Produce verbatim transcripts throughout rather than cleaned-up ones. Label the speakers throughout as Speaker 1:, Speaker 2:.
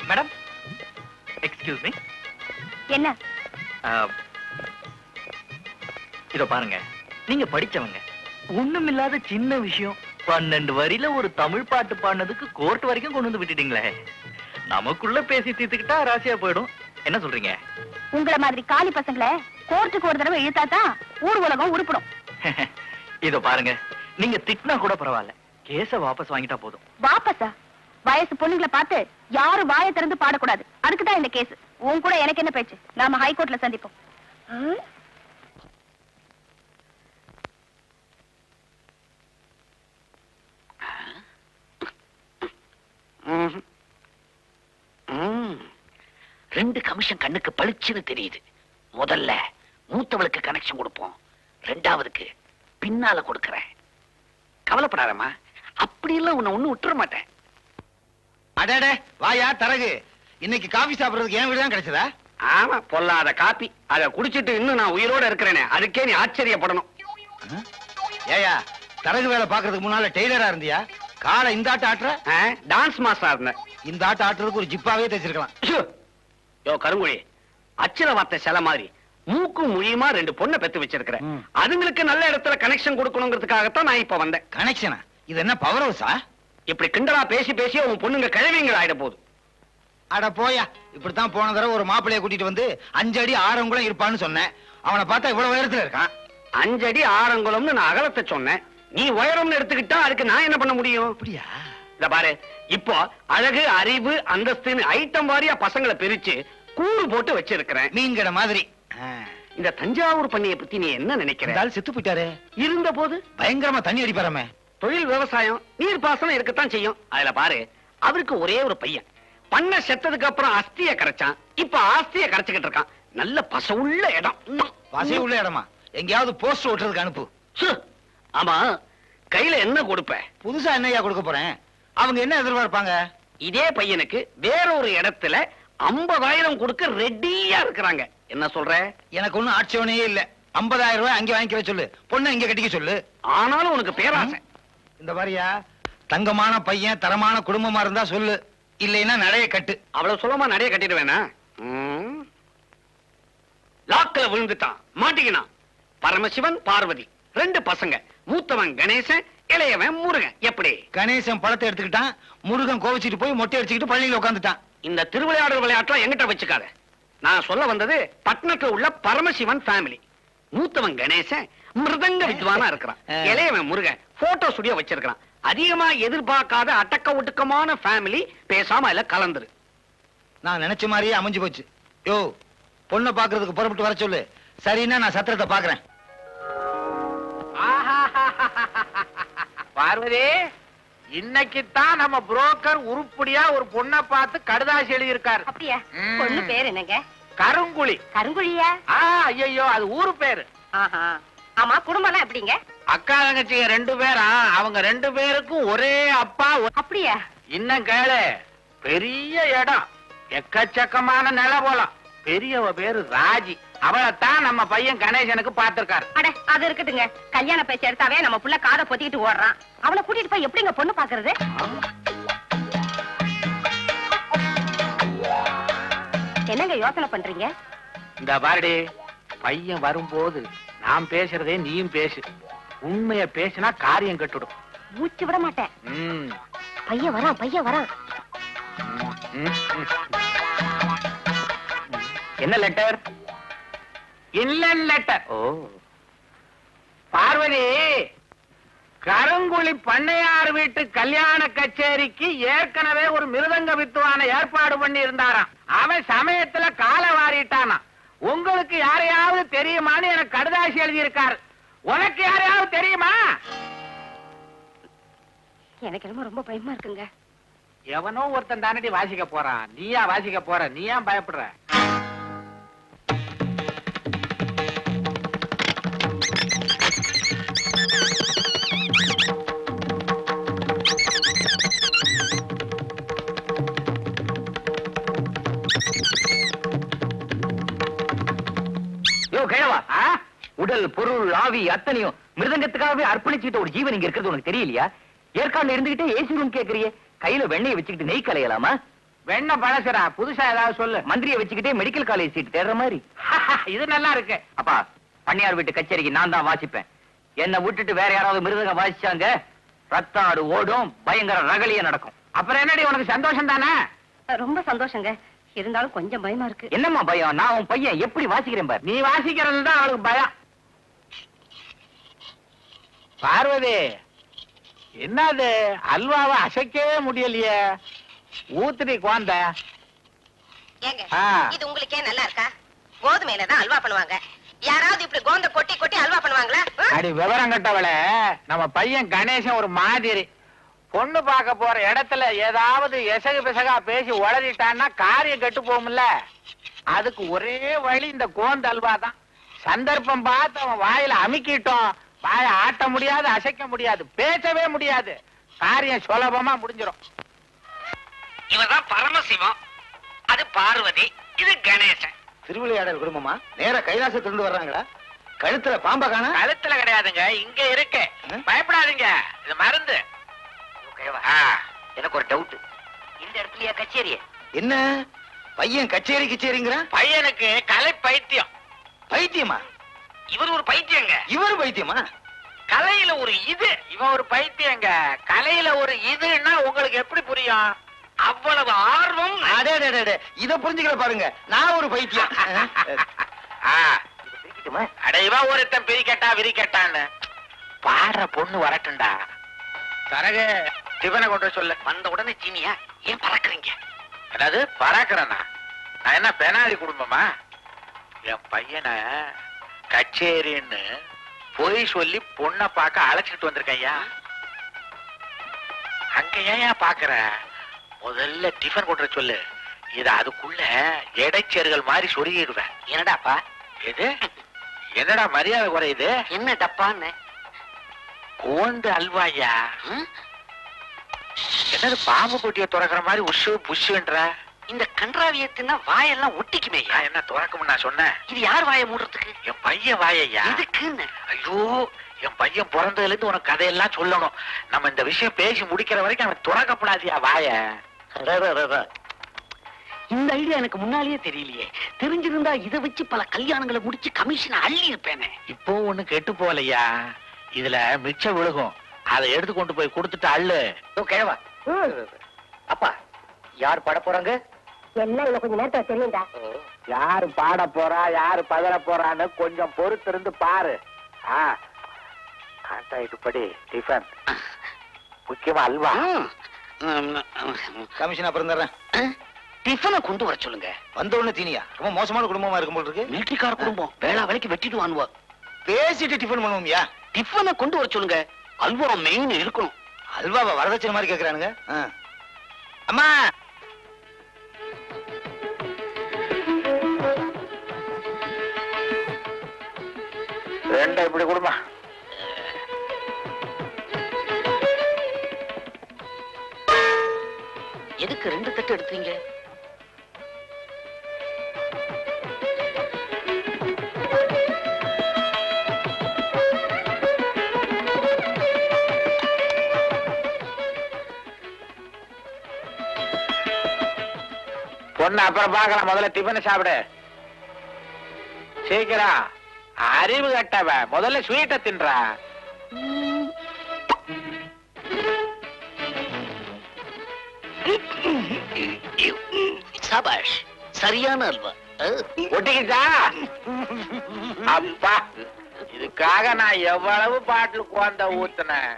Speaker 1: Madam, excuse me.
Speaker 2: என்ன?
Speaker 1: இதோ பாருங்க, நீங்க படிச்சவங்க. ஒண்ணுமில்லாத சின்ன விஷயம் பன்னெண்டு வரியில ஒரு தமிழ் பாட்டு பாடினதுக்கு கோர்ட் வரைக்கும் கொண்டு வந்து விட்டுட்டீங்களே. நமக்குள்ள பேசி தீர்த்துக்கிட்டா ராசியா போயிடும். என்ன சொல்றீங்க?
Speaker 2: உங்கள மாதிரி காலி பசங்களை கோர்ட்டுக்கு ஒரு தடவை இழுத்தாதான் ஊர் உலகம் உருப்படும்.
Speaker 1: இதோ பாருங்க, நீங்க திட்டினா கூட பரவாயில்ல, கேஸ வாபஸ் வாங்கிட்டா போதும்.
Speaker 2: வாபஸா? வயசு பொண்ணுங்களை பார்த்து யாரும் வாயை திறந்து பாடக்கூடாது. அதுக்குதான் இந்த கேஸ். உன் கூட எனக்கு என்ன பேச்சு? நாம ஹைகோர்ட்ல சந்திப்போம்.
Speaker 3: ரெண்டு கமிஷன் கண்ணுக்கு பளிச்சுன்னு தெரியுது. முதல்ல மூத்தவளுக்கு கனெக்ஷன் கொடுப்போம், ரெண்டாவதுக்கு பின்னால கொடுக்கறேன். கவலைப்படாதம்மா, அப்படி எல்லாம் உன்னை ஒண்ணு விட்டுற மாட்டேன்.
Speaker 4: அடடே வாயா தரகு, இன்னைக்கு காபி சாப்பிடுறதுக்கு என் வீடு தான் கிடைச்சதா?
Speaker 3: ஆமா, பொல்லாத காப்பி. அதை குடிச்சிட்டு இன்னும் நான் உயிரோட இருக்கிறேனே, அதுக்கே நீ ஆச்சரியப்படணும்.
Speaker 4: ஏயா, தரகு வேலை பாக்குறதுக்கு முன்னால டெய்லரா இருந்தியா? காலை இந்த ஆட்ட ஆட்டுற?
Speaker 3: டான்ஸ் மாஸ்டரா இருந்தேன்.
Speaker 4: இந்த ஆட்ட ஆட்டுறதுக்கு ஒரு ஜிப்பாவே தைச்சிருக்கலாம்.
Speaker 3: யோ கருங்குழி, அச்சர வார்த்தை சில மாதிரி மூக்கும் மொழியுமா ரெண்டு பொண்ணை பெத்து வச்சிருக்கிறேன். அதுங்களுக்கு நல்ல இடத்துல கனெக்ஷன் கொடுக்கணுங்கிறதுக்காகத்தான் நான் இப்ப வந்தேன்.
Speaker 4: கனெக்ஷனா? இது என்ன பவர் ஹவுஸா?
Speaker 3: இப்படி கிண்டலா பேசி பேசி உன் பொண்ணுங்க கிழவிங்கள் ஆயிட போகுது.
Speaker 4: அட போயா, இப்படித்தான் போன தடவை ஒரு மாப்பிளைய கூட்டிட்டு வந்து அஞ்சு அடி ஆறங்குளம் இருப்பான்னு சொன்னேன். அவனை பார்த்தா இவ்வளவு உயரத்துல இருக்கான்.
Speaker 3: அஞ்சடி ஆறங்குளம்னு நான் அகலத்தை சொன்னேன், நீ உயரம்னு எடுத்துக்கிட்டா அதுக்கு நான் என்ன பண்ண முடியும்?
Speaker 4: அப்படியா?
Speaker 3: இத பாரு, இப்போ அழகு, அறிவு, அந்தஸ்துன்னு ஐட்டம் வாரியா பசங்களை பிரிச்சு கூறு போட்டு வச்சிருக்கிறேன்.
Speaker 4: மீன் கடை மாதிரி.
Speaker 3: இந்த தஞ்சாவூர் பண்ணைய பத்தி நீ என்ன நினைக்கிற?
Speaker 4: செத்து போயிட்டாரு.
Speaker 3: இருந்த போது
Speaker 4: பயங்கரமா தண்ணி அடிப்பாராமே.
Speaker 3: தொழில் விவசாயம், நீர் பாசனம் இருக்கத்தான் செய்யும். அதுல பாரு, அவருக்கு ஒரே ஒரு பையன். பண்ண செத்ததுக்கு அப்புறம் அஸ்திய கரைச்சான், இப்ப ஆஸ்திய கரைச்சுக்கிட்டு இருக்கான். நல்ல பசவுள்ள இடம்.
Speaker 4: பசை உள்ள இடமா? எங்கேயாவது போஸ்ட் ஓட்டுறதுக்கு அனுப்பு.
Speaker 3: ஆமா, கையில என்ன கொடுப்ப?
Speaker 4: புதுசா என்னையா கொடுக்க போறேன்? அவங்க என்ன எதிர்பார்ப்பாங்க?
Speaker 3: இதே பையனுக்கு வேற ஒரு இடத்துல ஐம்பதாயிரம் கொடுக்க ரெடியா இருக்கிறாங்க. என்ன சொல்ற?
Speaker 4: எனக்கு ஒண்ணும் ஆட்சேபனையே இல்ல. ஐம்பதாயிரம் ரூபாய் அங்க வாங்கிக்க சொல்லு, பொண்ணு இங்க கட்டிக்க சொல்லு.
Speaker 3: ஆனாலும் உனக்கு பேராசை.
Speaker 4: இந்த மாதிரியா தங்கமான பையன், தரமான குடும்பமா இருந்தா சொல்லு, இல்லைன்னா நடைய கட்டு.
Speaker 3: அவ்வளவு சுலமா நடைய கட்டிடுவேனா? லாக்கில விழுந்துட்டான், மாட்டிக்கினான். பரமசிவன், பார்வதி ரெண்டு பசங்க. மூத்தவன் கணேசன், இளையவன் முருகன். எப்படி?
Speaker 4: கணேசன் பழத்தை எடுத்துக்கிட்டான், முருகன் கோவிச்சிட்டு போய் மொட்டை அடிச்சுக்கிட்டு பள்ளியில உட்காந்துட்டான்.
Speaker 3: இந்த திருவிளையாடல் விளையாட்டுல எங்கிட்ட வச்சுக்காத. நான் சொல்ல வந்தது பட்டணத்துல உள்ள பரமசிவன் ஃபேமிலி. மூத்தவன் கணேசன் மிருதங்க வித்வானா இருக்கிறான், இளையவன் முருகன் போட்டோ ஸ்டுடியோ வச்சிருக்கான். அதிகமா எதிர்பார்க்காத அடக்க ஒடுக்கமான ஃபேமிலி. பேசாம இல்ல கலந்துரு.
Speaker 4: நான் நினைச்ச மாதிரியே அமைஞ்சு போச்சு. யோ, பொண்ணை பாக்குறதுக்கு புறப்பட்டு வர சொல்லு. சரின்னா நான் சத்திரத்தை பாக்குறேன்.
Speaker 5: பார்வதி, இன்னைக்குத்தான் நம்ம புரோக்கர் உருப்படியா ஒரு பொண்ணை பார்த்து கடுதாசி எழுதியிருக்காரு.
Speaker 2: அப்படியா? பொண்ணு பேர் என்னங்க?
Speaker 5: கருங்குழி.
Speaker 2: கருங்குழியா?
Speaker 5: ஐயோ, அது ஊரு பேரு.
Speaker 2: ஆமா, குடும்பம் எப்படிங்க?
Speaker 5: அக்கா தங்கச்சிங்க ரெண்டு பேரா, அவங்க ரெண்டு பேருக்கும் ஒரே அப்பா.
Speaker 2: அப்படியா?
Speaker 5: இன்னும் கேளு, பெரிய இடம், எக்கச்சக்கமான நில போலாம். பெரியவ பேரு ராஜி. அவளைத்தான் நம்ம பையன் கணேசனுக்கு பார்த்திருக்காரு.
Speaker 2: அட, அது இருக்கட்டுங்க. கல்யாண பேச்சு எடுத்தாவே நம்ம புள்ள காதை பொத்திக்கிட்டு ஓடுறான். அவளை கூட்டிட்டு போய் எப்படிங்க பொண்ணு பாக்குறது? என்னங்க யோசனை பண்றீங்க?
Speaker 5: இந்த பாரடி, பையன் வரும்போது நான் பேசுறதே நீயும் பேசு. உண்மைய பேசினா காரியம் கட்டுடும்.
Speaker 2: மூச்சு விட மாட்டேன். பையன் வரான், பையன் வரான்.
Speaker 5: என்ன லெட்டர்? Inland letter. ஓ பார்வதி, கருங்குழி பண்ணையார் வீட்டு கல்யாண கச்சேரிக்கு ஏற்கனவே ஒரு மிருதங்க வித்துவான ஏற்பாடு பண்ணி இருந்தாராம். அவன் சமயத்துல காலை வாரிட்டானா. உங்களுக்கு யாரையாவது தெரியுமான்னு எனக்கு கடுதாசி எழுதியிருக்காரு. உனக்கு யாரையாவது தெரியுமா?
Speaker 2: எனக்கு ரொம்ப ரொம்ப பயமா இருக்குங்க.
Speaker 5: எவனோ ஒருத்தன் தானடி வாசிக்க போறான், நீயா வாசிக்க போற? நீ ஏன் பயப்படுற?
Speaker 1: உடல், பொருள், ஆவி அத்தனையும் மிருதங்கத்துக்காகவே அர்ப்பணிச்சுட்டு ஒரு ஜீவன் இங்க இருக்கிறது உனக்கு தெரியலையா? ஏற்காடுல இருந்துகிட்டே ஏசி ரூம் கேக்குறியே, கையில வெண்ணெயை வச்சுக்கிட்டு நெய் கலையலாமா?
Speaker 5: வெண்ண பழசுடா, புதுசா ஏதாவது சொல்லு.
Speaker 1: மந்திரியை வச்சுக்கிட்டே மெடிக்கல் காலேஜ் சீட் தேடுற மாதிரி.
Speaker 5: இது நல்லா இருக்கு.
Speaker 1: அப்பா, பண்ணையார் வீட்டு கச்சேரிக்கு நான் தான் வாசிப்பேன். என்னை விட்டுட்டு வேற யாராவது மிருதங்க வாசிச்சாங்க, ரத்த ஆடு ஓடும், பயங்கர ரகலிய நடக்கும்.
Speaker 5: அப்புறம் என்னடி உனக்கு சந்தோஷம் தானே?
Speaker 2: ரொம்ப சந்தோஷங்க. இருந்தாலும் கொஞ்சம் பயமா இருக்கு.
Speaker 1: என்னம்மா பயம்? நான் உன் பையன் எப்படி வாசிக்கிறேன் பாரு.
Speaker 5: நீ வாசிக்கிறது தான் அவளுக்கு பயம். பார்வதி, என்னது அல்வாவை அசைக்கவே முடியலையே? ஊத்துடி குழந்த.
Speaker 6: ஏங்க, இது உங்களுக்கே நல்லா இருக்கா? கோதுமையில தான் அல்வா பண்ணுவாங்க. யாராவது இப்படி கோந்த கொட்டி கொட்டி அல்வா பண்ணுவாங்களா?
Speaker 5: அடி விவரம் கட்டவள, நம்ம பையன் கணேசன் ஒரு மாதிரி. பொண்ணு பார்க்க போற இடத்துல ஏதாவது எசகு பிசகா பேசி உளறிட்டான்னா காரியம் கெட்டு போகும்ல. அதுக்கு ஒரே வழி இந்த கோந்த அல்வா தான். சந்தர்ப்பம் பார்த்து அவன் வாயில அமுக்கிட்டோம், வாயை ஆட்ட முடியாது, அசைக்க முடியாது, பேசவே முடியாது. காரியம் சுலபமா முடிஞ்சிடும்.
Speaker 3: இவதான் பரமசிவம், அது பார்வதி, இது கணேசன்.
Speaker 4: திருவிளையாடல் குடும்பமா நேர கைலாசத்திலிருந்து வர்றாங்களா? கழுத்துல பாம்பா காணா?
Speaker 5: கழுத்துல கிடையாதுங்க, இங்க இருக்கு. பயப்படாதீங்க, இது மருந்து.
Speaker 1: எனக்கு ஒரு டவுட். இந்த இடத்துலயா கச்சேரி?
Speaker 4: என்ன பையன் கச்சேரி கச்சேரிங்கிறான்?
Speaker 5: பையனுக்கு கலை பைத்தியம்.
Speaker 4: பைத்தியமா?
Speaker 3: இவர் ஒரு பைத்தியங்க.
Speaker 4: இவரு பைத்தியமா?
Speaker 5: கலையில ஒரு இது, இவன் ஒரு பைத்தியங்க. கலையில ஒரு இதுன்னா உங்களுக்கு எப்படி புரியும்?
Speaker 3: அவ்வளவு ஆர்வம்.
Speaker 4: அடே அடே, அடே, இத புரிஞ்சுக்கல பாருங்க. நான் ஒரு பைத்தியம்.
Speaker 5: அடைவா ஒருத்தன் பிரிக்கட்டா விரிக்கட்டான்னு பாடுற பொண்ணு வரட்டும்டா. தரகு டிஃபனை கொண்டு வர சொல்லு.
Speaker 3: வந்த உடனே சீனியா ஏன் பறக்குறீங்க?
Speaker 5: அதாவது பறக்கிறேன்னா நான் என்ன பெனாலி குடும்பமா? என் பையனை கச்சேரின்னு பொய் சொல்லி பொண்ணை பார்க்க அழைச்சிட்டு வந்திருக்கேன் ஐயா. அங்க ஏன் பாக்குற? முதல்ல டிஃபன் கொண்டு வர சொல்லு. இத அதுக்குள்ள இடைச்சேர்கள் மாதிரி சொருகிடுவேன்.
Speaker 3: என்னடாப்பா
Speaker 5: எது? என்னடா மரியாதை குறையுது?
Speaker 3: என்ன டப்பான்னு?
Speaker 5: கோந்து அல்வாயா? என்னது பாம்பு கொட்டிய துறக்கிற மாதிரி உஷு புஷுன்ற?
Speaker 3: இந்த கன்றாவியத்தின்னா வாயெல்லாம் ஒட்டிக்குமே.
Speaker 5: நான் என்ன துறக்கும்னு நான் சொன்னேன்?
Speaker 3: இது யார் வாயை மூடுறதுக்கு?
Speaker 5: என் பையன் வாயையா?
Speaker 3: எதுக்குன்னு?
Speaker 5: ஐயோ, என் பையன் பிறந்ததுல இருந்து உனக்கு கதையெல்லாம் சொல்லணும். நம்ம இந்த விஷயம் பேசி முடிக்கிற வரைக்கும் அவன் துறக்கப்படாதியா வாய.
Speaker 3: இந்த ஐடியா எனக்கு முன்னாலேயே தெரியலையே. தெரிஞ்சிருந்தா இதை வச்சு பல கல்யாணங்களை முடிச்சு கமிஷன் அள்ளி இருப்பேனே.
Speaker 5: இப்போ ஒண்ணு கெட்டு போகலையா? இதுல மிச்சம் விழுகும், அதை எடுத்து கொண்டு போய் கொடுத்துட்டு அள்ளு.
Speaker 1: கேவா அப்பா, யார் பாட போறாங்க?
Speaker 2: எல்லாம் இன்னும் கொஞ்சம் நேரத்துல தெரியும்டா.
Speaker 5: யாரு பாட போறா, யாரு பதற போறான்னு கொஞ்சம் பொறுத்து இருந்து பாரு. கான்ட்ராக்ட் படி டிஃபன், முக்கியமா அல்வா.
Speaker 4: கமிஷன் அப்புறம் தர்றேன்.
Speaker 3: டிஃபனை கொண்டு வர சொல்லுங்க.
Speaker 4: வந்த உடனே தீனியா? ரொம்ப மோசமான குடும்பமா இருக்கும் போல இருக்கு.
Speaker 3: மிலிட்டரிக்கார குடும்பம், வேளா வேலைக்கு வெட்டிட்டு வாங்குவா.
Speaker 4: பேசிட்டு டிஃபன் பண்ணுவோம்யா.
Speaker 3: டிஃபனை கொண்டு வர சொல்லுங்க. அல்வா மெயின் இருக்கணும்.
Speaker 4: அல்வாவை வரதட்சணை மாதிரி கேக்குறானுங்க. அம்மா,
Speaker 5: ரெண்டா இப்படி கொடுமா.
Speaker 3: எதுக்கு ரெண்டு தட்டு எடுத்தீங்க?
Speaker 5: பொண்ணு அப்புறம் பார்க்கலாம், முதல்ல டிஃபனை சாப்பிடு. சீக்கிரம். அறிவு கட்டவ, முதல்ல ஸ்வீட்டை தின்றா.
Speaker 3: சபாஷ், சரியான அல்வா.
Speaker 5: ஒட்டிக்கிச்சா? அப்பா, இதுக்காக நான் எவ்வளவு பாட்டில் குழந்த ஊத்துனேன்.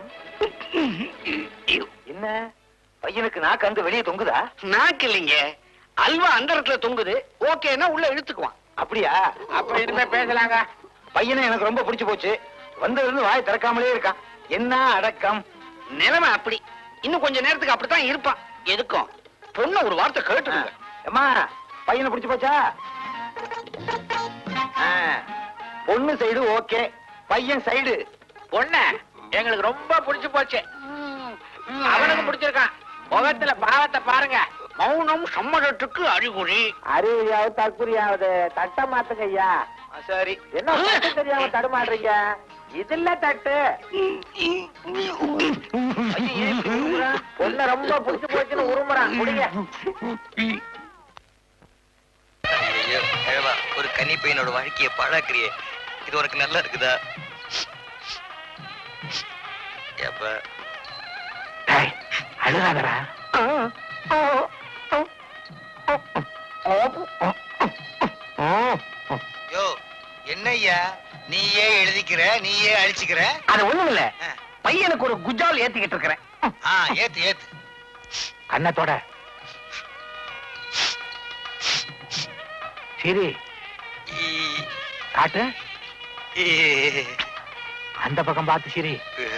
Speaker 4: என்ன பையனுக்கு நாக்கு அங்க வெளியே தொங்குதா?
Speaker 3: நாக்கு இல்லைங்க, அல்வா அந்த இடத்துல தொங்குது. ஓகேன்னா உள்ள இழுத்துக்குவான்.
Speaker 4: அப்படியா?
Speaker 5: அப்ப இனிமே பேசலாங்க.
Speaker 4: பையனை எனக்கு ரொம்ப பிடிச்சு போச்சு. வந்ததுல இருந்து வாய் திறக்காமலே இருக்கான். என்ன அடக்கம்!
Speaker 3: நிலைமை அப்படி. இன்னும் கொஞ்ச நேரத்துக்கு அப்படித்தான் இருப்பான். எதுக்கும் பொண்ணு ஒரு வார்த்தை கேட்டுருங்க.
Speaker 4: அம்மா, பையனை பிடிச்சு போச்சா? ஆ, பொண்ணு சைடு ஓகே, பையன் சைடு.
Speaker 5: பொண்ணு எங்களுக்கு ரொம்ப பிடிச்சு போச்சு. அவனுக்கு பிடிச்சிருக்கான். முகத்துல பாவத்தை பாருங்க.
Speaker 3: மௌனம் சம்மதத்துக்கு அறிகுறி.
Speaker 5: அறிவியாவது தற்குறியாவது. தட்ட மாத்துங்க ஐயா.
Speaker 4: சரி,
Speaker 5: என்ன தட்டு தெரியாம தடுமாடுறீங்க? இதுல தட்டு பொண்ண ரொம்ப புடிச்சு போச்சுன்னு உருமுறான் குடிங்க.
Speaker 1: ஐயோ கிழவா, ஒரு கன்னி பையனோட வாழ்க்கைய பாழாக்குறியே, இது உனக்கு நல்லா இருக்குதா? ஏப்பா
Speaker 5: டேய், அழுகாதடா.
Speaker 4: யோ என்னய்யா நீயே எழுதிக்கிற நீயே அழிச்சுக்கிற?
Speaker 3: அது ஒண்ணும் இல்ல,
Speaker 4: ஆ.
Speaker 3: பையனுக்கு ஒரு குஜால் ஏத்திக்கிட்டு இருக்கிறேன்.
Speaker 4: ஆ, ஏத்து ஏத்து.
Speaker 5: கண்ணத்தோட சரி
Speaker 1: ஈ-
Speaker 5: காட்டு,
Speaker 1: ஈ-
Speaker 5: அந்த பக்கம் பார்த்து சரி.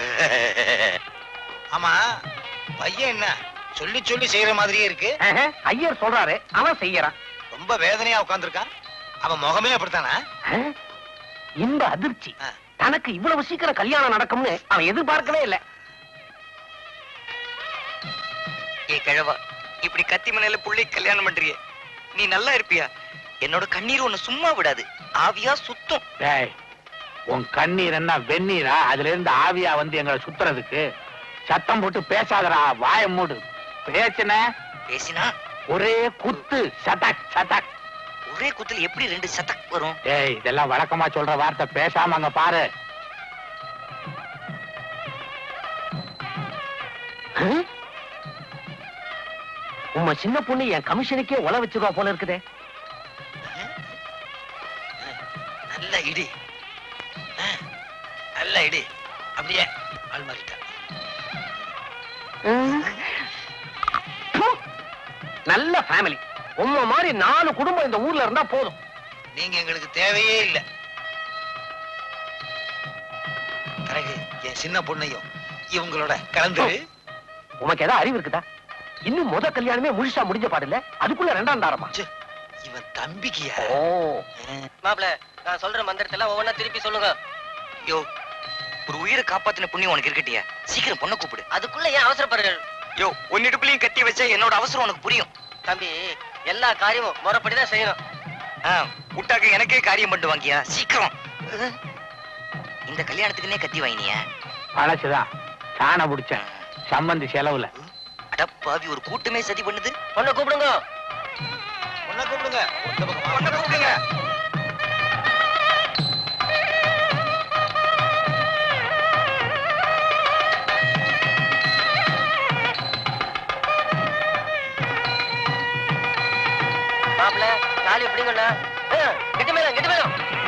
Speaker 4: ஆமா பையன் என்ன சொல்லி சொல்லி செய்யற மாதிரியே இருக்கு.
Speaker 3: ஆஹா, ஐயர் சொல்றாரு, அவன் செய்யறான்.
Speaker 4: ரொம்ப வேதனையா உட்கார்ந்திருக்கான். அவன் முகமே அப்படித்தானா?
Speaker 3: ஆ? இந்த அதிர்ச்சி
Speaker 4: ஆ.
Speaker 3: தனக்கு இவ்வளவு சீக்கிரம் கல்யாணம் நடக்கும்னு அவன் எதிர்பார்க்கவே இல்ல.
Speaker 1: ஏ கிழவா, இப்படி கத்தி மனையில புள்ளை கல்யாணம் பண்றியே, நீ நல்லா இருப்பியா? என்னோட கண்ணீர் உன்னை சும்மா விடாது, ஆவியா சுத்தம்.
Speaker 5: டேய், உன் கண்ணீர் என்ன வெந்நீரா? அதுல இருந்து ஆவியா வந்து எங்களை சுத்துறதுக்கு? சத்தம் போட்டு பேசாதடா, வாய மூடு. பேசுன
Speaker 1: பேசினா
Speaker 5: ஒரே குத்து, சதக் சதக்.
Speaker 1: ஒரே குத்துல எப்படி ரெண்டு சத்தக் வரும்?
Speaker 5: டேய், இதெல்லாம் வழக்கமா சொல்ற வார்த்தை, பேசாம அங்க பாரு.
Speaker 3: உம்ம சின்ன பொண்ணு என் கமிஷனுக்கே உல வச்சிருவா போல இருக்குதே.
Speaker 4: நல்ல இடி. ஆ, நல்ல இடி. அப்படியே ஆள் மாறிட்டா.
Speaker 3: நல்ல ஃபேமிலி. உம்ம மாதிரி நாலு குடும்பம் இந்த ஊர்ல இருந்தா போதும்.
Speaker 4: நீங்க எங்களுக்கு தேவையே இல்ல. பிறகு என் சின்ன பொண்ணையும் இவங்களோட கலந்து.
Speaker 3: உனக்கு ஏதாவது அறிவு இருக்குதா? இன்னும் முத கல்யாணமே முழுசா முடிஞ்ச பாடல, அதுக்குள்ள ரெண்டாம் தாரமா?
Speaker 4: ச்சே, இவன் தம்பிக்கியா?
Speaker 3: ஓ,
Speaker 6: மாப்பிள, நான் சொல்ற மந்திரத்துல ஒவ்வொன்னா திருப்பி சொல்லுங்க.
Speaker 1: யோ, ஒரு உயிரை காப்பாத்தின புண்ணியம் உனக்கு இருக்கட்டியா? சீக்கிரம் பொண்ணை கூப்பிடு.
Speaker 6: அதுக்குள்ள ஏன் அவசரப்படுறீர்கள்?
Speaker 1: யோ, உன்னிடுப்புலயும் கத்தி வச்சா என்னோட அவசரம் உனக்கு புரியும்.
Speaker 6: தம்பி, எல்லா காரியமும் முறைப்படிதான் செய்யணும்.
Speaker 1: ஆ, விட்டாக்க எனக்கே காரியம் பண்ணிட்டு வாங்கியா, சீக்கிரம். இந்த கல்யாணத்துக்குன்னே கத்தி வாங்கினியா?
Speaker 5: பழசுதான், சாண பிடிச்சேன் சம்பந்தி செலவுல.
Speaker 1: அடப்பாவி, ஒரு கூட்டமே சதி பண்ணுது.
Speaker 6: பொண்ணை கூப்பிடுங்க.
Speaker 4: பொண்ணை கூப்பிடுங்க. இந்த பக்கம் வா.
Speaker 1: பொண்ணை கூப்பிடுங்க.
Speaker 6: மாப்பிள, தாலி எப்படிங்கண்ணா? கெட்டி மேலம் கெட்டி மேலம்